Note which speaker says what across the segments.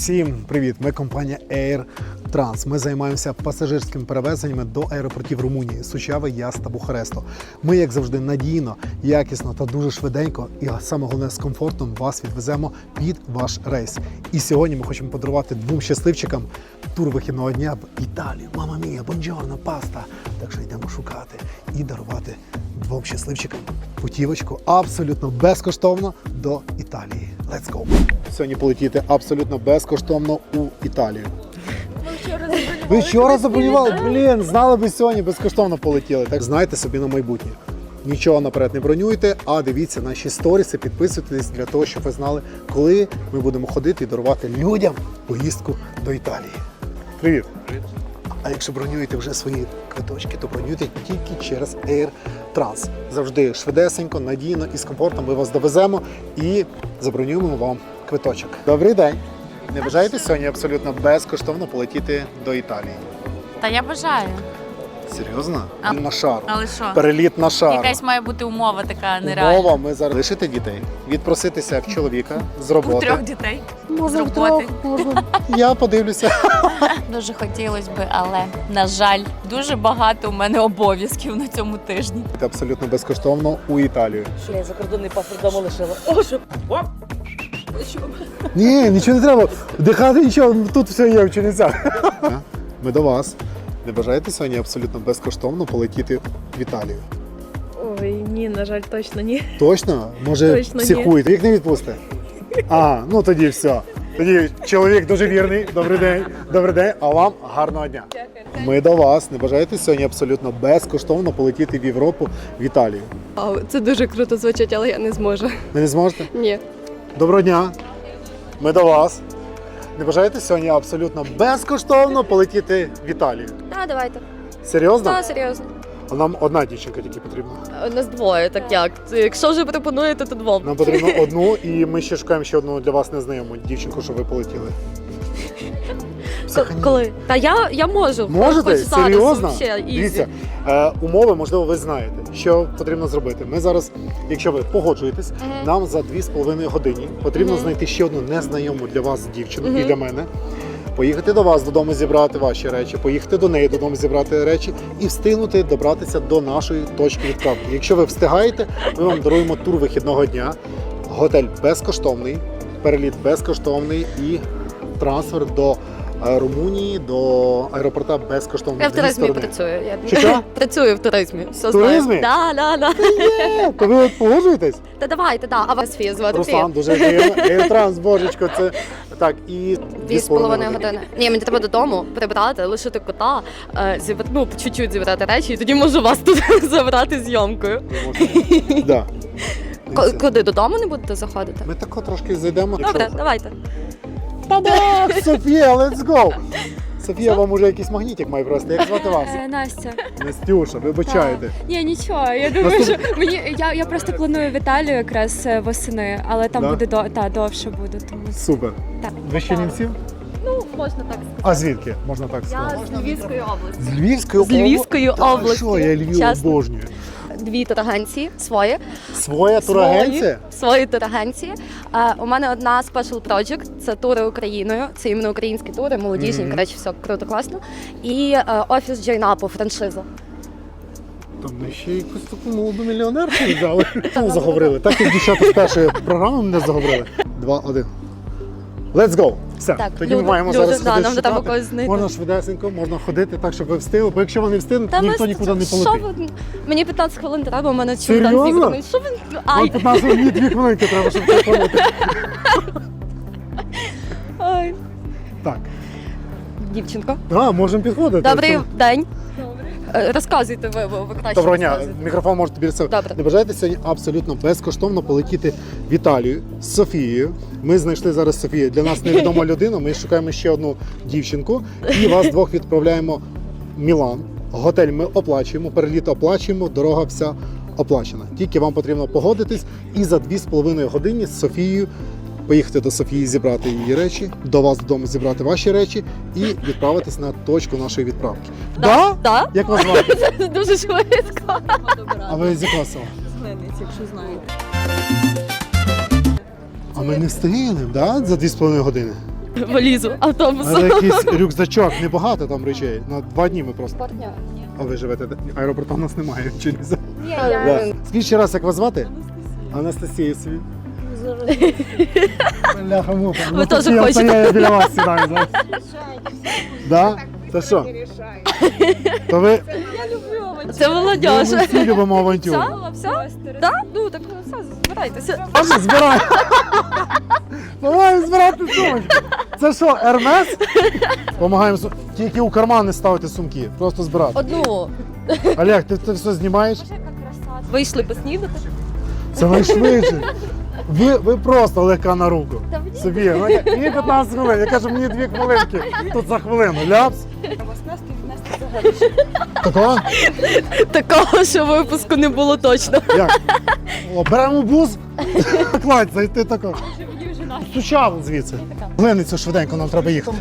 Speaker 1: Всім привіт! Ми компанія Air Trans. Ми займаємося пасажирськими перевезеннями до аеропортів Румунії, Сучави, Яс та Бухаресту. Ми, як завжди, надійно, якісно та дуже швиденько і саме головне з комфортом вас відвеземо під ваш рейс. І сьогодні ми хочемо подарувати двом щасливчикам тур вихідного дня в Італію. Мама мія, бонджорно, паста. Так що йдемо шукати і дарувати двом щасливчикам путівочку абсолютно безкоштовно до Італії. Let's go! Сьогодні полетіти абсолютно безкоштовно у Італію. Ви вчора забронювали? Блін, знали би сьогодні, безкоштовно полетіли. Так знайте собі на майбутнє. Нічого наперед не бронюйте, а дивіться наші сторіси, підписуйтесь для того, щоб ви знали, коли ми будемо ходити і дарувати людям поїздку до Італії. Привіт!
Speaker 2: Привіт.
Speaker 1: А якщо бронюєте вже свої квиточки, то бронюйте тільки через Air Trans. Завжди швидесенько, надійно і з комфортом ми вас довеземо і забронюємо вам квиточок. Добрий день! Не бажаєте сьогодні абсолютно безкоштовно полетіти до Італії?
Speaker 3: Та я бажаю.
Speaker 1: Серйозно?
Speaker 3: А-
Speaker 1: На шар.
Speaker 3: Але що?
Speaker 1: Переліт на шар.
Speaker 3: Якась має бути умова така нереальна.
Speaker 1: Умова, ми зараз лишити дітей, відпроситися як чоловіка з роботи.
Speaker 3: У 3 дітей.
Speaker 1: Може,
Speaker 3: з роботи.
Speaker 1: можна. Я подивлюся.
Speaker 3: Дуже хотілося б, але, на жаль, дуже багато у мене обов'язків на цьому тижні.
Speaker 1: Абсолютно безкоштовно у Італію.
Speaker 4: Що я закордонний паспорт вдома лишила. О, що? Оп!
Speaker 1: Ні, нічого не треба. Вдихати нічого, тут все є в Чернівцях. Ми до вас. Не бажаєте сьогодні абсолютно безкоштовно полетіти в Італію?
Speaker 5: Ой, ні, на жаль, точно ні.
Speaker 1: Точно? Може,
Speaker 5: Точно ні.
Speaker 1: психуєте? Як не відпусти? А, ну тоді все. Тоді чоловік дуже вірний. Добрий день. Добрий день. А вам гарного дня. Ми до вас. Не бажаєте сьогодні абсолютно безкоштовно полетіти в Європу, в Італію?
Speaker 5: Вау, це дуже круто звучить, але я не зможу.
Speaker 1: Ви не зможете?
Speaker 5: Ні.
Speaker 1: Доброго дня. Ми до вас. Не бажаєте сьогодні абсолютно безкоштовно полетіти в Італію?
Speaker 5: Так, давайте.
Speaker 1: Серйозно?
Speaker 5: Так, серйозно.
Speaker 1: А нам одна дівчинка тільки потрібна.
Speaker 5: У нас двоє, так як? Якщо вже пропонуєте, то двом.
Speaker 1: Нам потрібно одну, і ми ще шукаємо ще одну для вас незнайому дівчинку, щоб ви полетіли.
Speaker 5: Коли? Та я можу.
Speaker 1: Можете?
Speaker 5: Хоч зараз,
Speaker 1: Серйозно?
Speaker 5: вообще, ізі.
Speaker 1: Дивіться, умови, можливо, ви знаєте, що потрібно зробити. Ми зараз, якщо ви погоджуєтесь, нам за 2,5 години потрібно знайти ще одну незнайому для вас дівчину і для мене. Поїхати до вас додому, зібрати ваші речі, поїхати до неї додому, зібрати речі і встигнути добратися до нашої точки відправки. Якщо ви встигаєте, ми вам даруємо тур вихідного дня, готель безкоштовний, переліт безкоштовний і трансфер до Румунії, до аеропорта безкоштовно.
Speaker 5: Я в
Speaker 1: Дві
Speaker 5: туризмі
Speaker 1: сторони.
Speaker 5: працюю.
Speaker 1: Що?
Speaker 5: Працюю в туризмі. Все
Speaker 1: В туризмі?
Speaker 5: знаю. Да.
Speaker 1: То ви от погоджуєтесь?
Speaker 5: Та давайте, да. А вас Фія звати?
Speaker 1: Руслан, дуже приємно. Air божечко, це так, і
Speaker 5: 2,5 години. Ні, мені треба додому прибрати, лишити кота, ну, чуть-чуть зібрати речі, і тоді можу вас тут забрати зйомкою.
Speaker 1: Да.
Speaker 5: Куди? Додому не будете заходити?
Speaker 1: Ми тако трошки зайдемо.
Speaker 5: Добре, давайте.
Speaker 1: Та-дах! Софія, let's go! Софія, вам уже якийсь магнітик має просто. Як звати вас?
Speaker 6: Настя.
Speaker 1: Настюша, вибачайте.
Speaker 6: Ні, нічого. Я думаю, що я просто планую в Італію якраз восени, але там
Speaker 1: Да?
Speaker 6: буде довше буде. Тому
Speaker 1: Супер.
Speaker 6: так.
Speaker 1: Ви з Чернівців?
Speaker 5: Ну, можна так сказати.
Speaker 1: А звідки? Можна так сказати.
Speaker 5: Я з Львівської області.
Speaker 1: З Львівської
Speaker 5: З Львівської області.
Speaker 1: Що, я Львів
Speaker 5: Чесно.
Speaker 1: обожнюю.
Speaker 5: 2 турагенції свої.
Speaker 1: Своя турагенція?
Speaker 5: Свої турагенції. У мене одна special project, це тури Україною. Це іменно українські тури, молодіжні, коротше, все круто, класно. І офіс Джойнапу, франшиза.
Speaker 1: Там ми ще якусь таку молоду мільйонерку взяли. Ну, заговорили. Так як дівчата з першої програми мене заговорили. 2-1. Let's go! Все,
Speaker 5: Так,
Speaker 1: тоді ми маємо
Speaker 5: люди,
Speaker 1: зараз
Speaker 5: да,
Speaker 1: ходити
Speaker 5: нам треба
Speaker 1: шукати.
Speaker 5: когось знайти.
Speaker 1: Можна швидесенько, можна ходити так, щоб ви встигли, бо якщо вони встигнуть, ніхто нікуди не
Speaker 5: Що
Speaker 1: полетить.
Speaker 5: ви? Мені 15 хвилин треба, у мене
Speaker 1: Серйозно?
Speaker 5: чемодан зібраний. Що ви?
Speaker 1: Вам
Speaker 5: Ай,
Speaker 1: 15 хвилин, 2 хвилинки треба, щоб це полетити.
Speaker 5: ай.
Speaker 1: Так,
Speaker 5: Дівчинко.
Speaker 1: можемо підходити.
Speaker 5: Добрий
Speaker 1: Це-
Speaker 5: день. Розказуйте ви краще.
Speaker 1: Доброго дня,
Speaker 5: розказуйте.
Speaker 1: мікрофон можете біля себе.
Speaker 5: Добре.
Speaker 1: Не бажаєте сьогодні абсолютно безкоштовно полетіти в Італію з Софією. Ми знайшли зараз Софію. Для нас невідома людина, ми шукаємо ще одну дівчинку і вас двох відправляємо в Мілан. Готель ми оплачуємо, переліт оплачуємо, дорога вся оплачена. Тільки вам потрібно погодитись і за 2,5 години з Софією поїхати до Софії, зібрати її речі, до вас додому зібрати ваші речі і відправитись на точку нашої відправки. Да?
Speaker 5: Да?
Speaker 1: Як вас звати?
Speaker 5: Дуже швидко.
Speaker 1: А ви з якого села?
Speaker 4: Якщо знаєте.
Speaker 1: А ми не встигли, да? За 2,5 години?
Speaker 5: Валізу, автобусу.
Speaker 1: Але якийсь рюкзачок, небагато там речей. На 2 дні ми просто.
Speaker 5: Партнер.
Speaker 1: А ви живете? Аеропорту у нас немає. Чи не знаю.
Speaker 5: Ні,
Speaker 1: Да. Скажіть ще раз, як вас звати? Анастасія собі. Бляха-муха.
Speaker 5: Ви теж
Speaker 1: Я
Speaker 5: хочете?
Speaker 1: стояю біля вас сідаю зараз. Да? Це що? То ви
Speaker 5: Це молодіж.
Speaker 1: ми всі любимо авантюру.
Speaker 5: Все? Так? Ну так все, збирайтеся.
Speaker 1: Може, збирай. Давай збирати сумочку. Це що, Ермес? Помагаємо. Тільки у кармани ставити сумки. Просто збирати.
Speaker 5: Одну.
Speaker 1: Олег, ти все знімаєш?
Speaker 5: Вийшли поснідати.
Speaker 1: Це найшвидше. Ви просто легка на руку. Собі. Мені 15 хвилин. Я кажу, мені 2 хвилинки. Тут за хвилину. Ляпс. Такого?
Speaker 5: Такого, що випуску не було точно.
Speaker 1: Як? О, беремо бус. Кладь, зайти тако. Сучав звідси. Глиницю швиденько, нам треба їхати.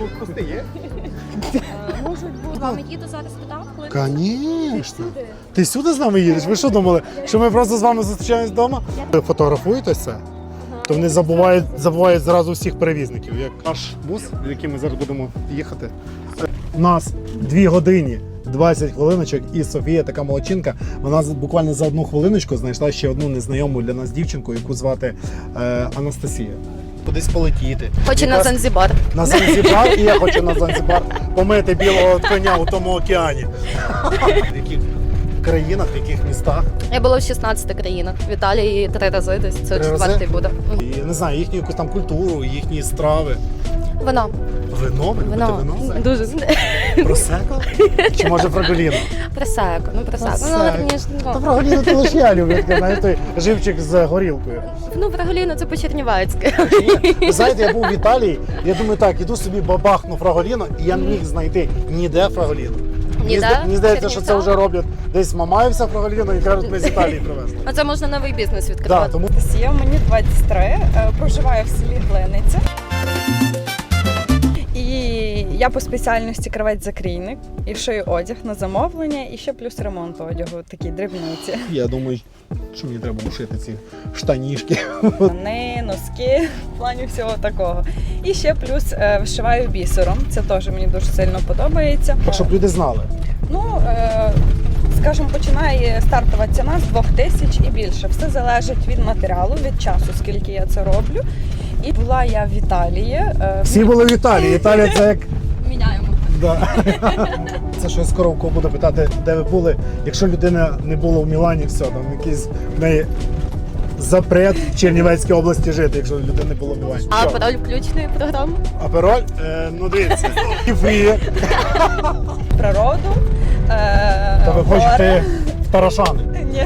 Speaker 5: З вами їду зараз туди.
Speaker 1: Звісно. Ти сюди з нами їдеш? Ви що думали, що ми просто з вами зустрічаємось вдома? Ви фотографуєтеся, то вони забувають зразу всіх перевізників. Як наш бус, в який ми зараз будемо їхати. У нас 2 години 20 хвилиночок, і Софія, така молодчинка, вона буквально за 1 хвилиночку знайшла ще одну незнайому для нас дівчинку, яку звати Анастасія. Кудись полетіти.
Speaker 5: Хочу на Занзибар.
Speaker 1: На Занзибар, і я хочу на Занзибар помити білого коня у тому океані. В яких країнах, в яких містах?
Speaker 5: Я була в 16 країнах. В Італії 3 рази десь. Це
Speaker 1: 3 рази?
Speaker 5: 4-й буде.
Speaker 1: І, я не знаю, їхню якусь там культуру, їхні страви.
Speaker 5: Вино.
Speaker 1: Вино? Ви любите вино?
Speaker 5: Дуже.
Speaker 1: Просеко? Чи може фраголіно?
Speaker 5: Просеко. Ну, просеко. Ну,
Speaker 1: Просеко.
Speaker 5: верніше,
Speaker 1: Та фраголіно то лише я люблю, таке, навіть той живчик з горілкою.
Speaker 5: ну, взагалі, це по-чернівецьки.
Speaker 1: Ви знаєте, я був в Італії, я думаю, так, іду собі бабахну фраголіно, і я не міг знайти ніде фраголіно. Мені здається, що це вже роблять десь Мамаївся фраголіно і кажуть, ми з Італії привезли.
Speaker 5: А це можна новий бізнес
Speaker 1: Да,
Speaker 5: відкривати.
Speaker 1: тому
Speaker 2: Анастасія, мені 23, проживаю в селі Глиниця. І я по спеціальності кравець-закрійник, і шию одяг на замовлення, і ще плюс ремонт одягу, такі дрібниці.
Speaker 1: я думаю, що мені треба шити ці штанішки.
Speaker 2: Штани, носки, в плані всього такого. І ще плюс вишиваю бісером, це теж мені дуже сильно подобається.
Speaker 1: Щоб люди знали.
Speaker 2: Ну, скажімо, починає стартова ціна з 2000 і більше. Все залежить від матеріалу, від часу, скільки я це роблю. І була я в Італії.
Speaker 1: Всі були в Італії. Італія це як.
Speaker 5: Міняємо.
Speaker 1: Да. Це що я скоро у кого буду питати, де ви були. Якщо людина не була в Мілані, все, там якийсь в неї запрет в Чернівецькій області жити, якщо людина не була в Мілані.
Speaker 5: А
Speaker 1: Що?
Speaker 5: пароль включеної програми?
Speaker 1: Апероль? Ну дивіться. Кіфрі.
Speaker 2: Природу.
Speaker 1: То ви хочете в Тарашани?
Speaker 2: Ні,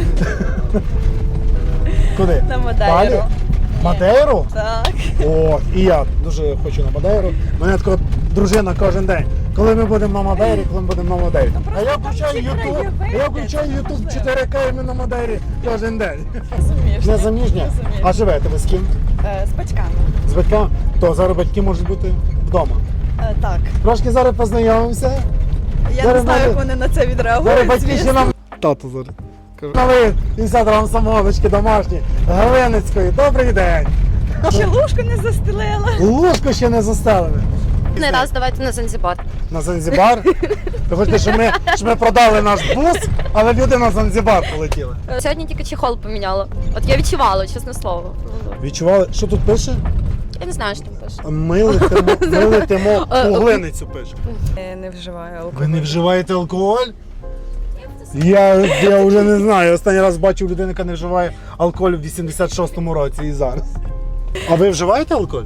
Speaker 1: Куди?
Speaker 2: на Мадейру.
Speaker 1: Далі? Мадейру?
Speaker 2: Так.
Speaker 1: О, і я дуже хочу на Мадейру. Мене така дружина кожен день. Коли ми будемо на Мадейрі, коли ми будемо на Мадейрі. А я включаю YouTube, YouTube 4К і ми на Мадейрі кожен день.
Speaker 2: Заміжня.
Speaker 1: Не заміжня? А живете ви з ким?
Speaker 2: З батьками.
Speaker 1: З батьками? То зараз батьки можуть бути вдома.
Speaker 2: Так.
Speaker 1: Трошки зараз познайомимося.
Speaker 2: Я
Speaker 1: Зараз
Speaker 2: не знаю,
Speaker 1: навіть-
Speaker 2: як вони на це
Speaker 1: Зараз
Speaker 2: відреагують.
Speaker 1: батьки ще
Speaker 2: звісно.
Speaker 1: нам... Тато зараз. Налив 50 грам самогоночки домашні, Галиницької. Добрий день.
Speaker 2: Ще ложку не застелила.
Speaker 1: Ложку ще не застелили.
Speaker 5: Не раз, давайте на Занзибар.
Speaker 1: На Занзибар? Ви хочете, щоб ми продали наш бус, але люди на Занзибар полетіли.
Speaker 5: Сьогодні тільки чехол поміняла. От я відчувала, чесне слово.
Speaker 1: Відчували, що тут пише?
Speaker 5: Я не знаю, що там пише.
Speaker 1: Ми летимо у Глиницю пише.
Speaker 2: Не вживаю алкоголь.
Speaker 1: Ви не вживаєте алкоголь? Я вже не знаю. Останній раз бачив людину, яка не вживає алкоголь в 86-му році і зараз. А ви вживаєте алкоголь?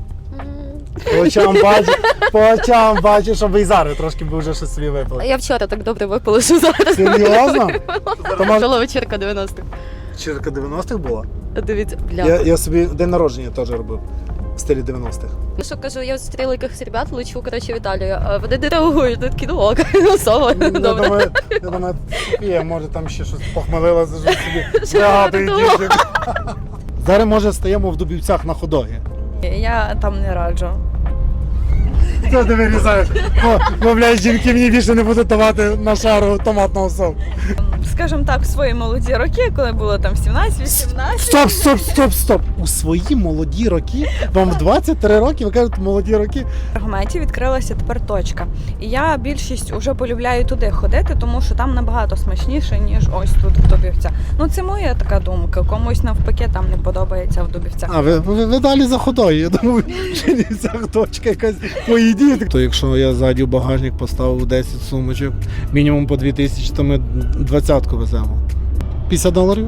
Speaker 1: По очам бачу, що ви і зараз трошки б вже щось собі випили.
Speaker 5: Я вчора так добре випила, що зараз.
Speaker 1: Серйозно? То може
Speaker 5: Була вечірка 90-х.
Speaker 1: черка 90-х була?
Speaker 5: Дивіться, бля.
Speaker 1: Я собі день народження теж робив в стилі 90-х.
Speaker 5: Ну що кажу, я зустріла якихось ребят, лечу, коротше, в Італію. А вони не реагують, такі, ну ок, ну сово, добре.
Speaker 1: Я думаю, Софія, може там ще щось похмелилася, що собі
Speaker 5: Що
Speaker 1: багатий
Speaker 5: я думала?
Speaker 1: дівчик. Зараз, може, стаємо в Дубівцях на Ходогі.
Speaker 2: Я там не раджу.
Speaker 1: Це ти вирізаєш. Бо, блядь, жінки мені більше не будуть давати на шару томатного соку.
Speaker 2: скажімо так, в свої молоді роки, коли було там 17-18.
Speaker 1: Стоп! У свої молоді роки, вам в 23 роки, ви кажете, молоді роки.
Speaker 2: В Аргументі відкрилася тепер точка. І я більшість уже полюбляю туди ходити, тому що там набагато смачніше, ніж ось тут в Дубівцях. Ну це моя така думка. Комусь навпаки там не подобається в Дубівцях.
Speaker 1: А ви далі за ходою. Я думаю, що не ця точка якась поїдіть. То якщо я ззаді в багажник поставив 10 сумочок, мінімум по 2000, то ми 20-ку веземо. $50?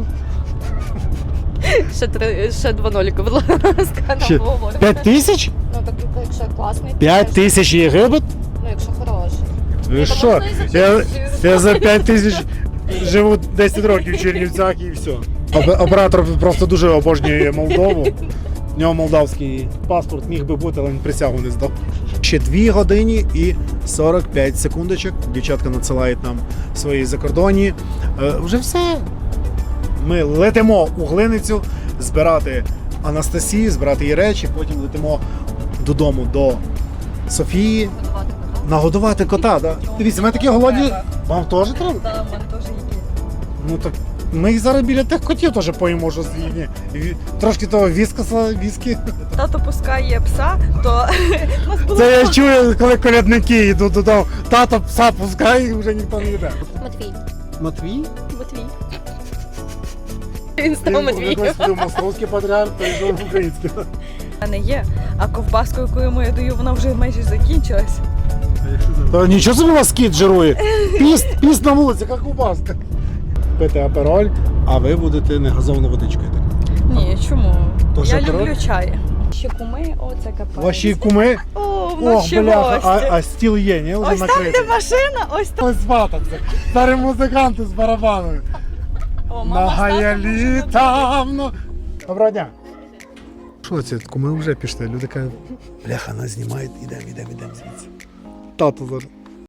Speaker 5: Ще 2 ноліки, будь ласка,
Speaker 1: Ще
Speaker 5: нам говоримо.
Speaker 1: 5000?
Speaker 5: Ну, так, якщо класний,
Speaker 1: 5000 Єгипет?
Speaker 5: ну, якщо хороший.
Speaker 1: Ви що? Я за 5000 живу 10 років в Чернівцях і все. Оператор просто дуже обожнює Молдову. У нього молдавський паспорт міг би бути, але він присягу не здав. Ще 2 години і 45 секундочок. Дівчатка надсилають нам свої закордонні. Вже все. Ми летимо у Глиницю збирати Анастасію, збирати її речі, потім летимо додому до Софії. Нагодувати кота, да? Дивіться, ми такі голодні. Вам теж треба?
Speaker 2: Так, в мене теж є.
Speaker 1: Ну так ми зараз біля тих котів теж поїмо щось їхнє. Трошки того віскі.
Speaker 2: Тато пускає пса, то у нас було
Speaker 1: Це я чую, коли колядники йдуть додому. Тато пса пускає і вже ніхто не йде.
Speaker 5: Матвій.
Speaker 1: Матвій?
Speaker 5: Матвій. Він став
Speaker 1: Він
Speaker 5: Матвієм.
Speaker 1: був московський патріарх, перейшов в український.
Speaker 2: в мене є, а ковбаску, яку йому я даю, вона вже майже закінчилась.
Speaker 1: Та нічого собі у вас кіт жирує. Піст на вулиці, як ковбаска. Пити апероль, а ви будете негазовану водичкою.
Speaker 2: Ні, чому?
Speaker 1: То
Speaker 2: Я
Speaker 1: що,
Speaker 2: люблю
Speaker 1: коротше?
Speaker 2: чай. Ще куми, о, це капець.
Speaker 1: Ваші куми?
Speaker 2: О, в нас ще
Speaker 1: бляха,
Speaker 2: гості.
Speaker 1: а стіл є, ні? Вже
Speaker 2: Ось там,
Speaker 1: накритий.
Speaker 2: де машина, ось там.
Speaker 1: Ось свататься. Старі музиканти з барабанами.
Speaker 2: О,
Speaker 1: На
Speaker 2: мама з татом
Speaker 1: гаялі
Speaker 2: вже
Speaker 1: там. Доброго дня. Що це? Ми вже пішли. Люди кажуть, бляха, нас знімають, ідемо звідси. Тато зараз.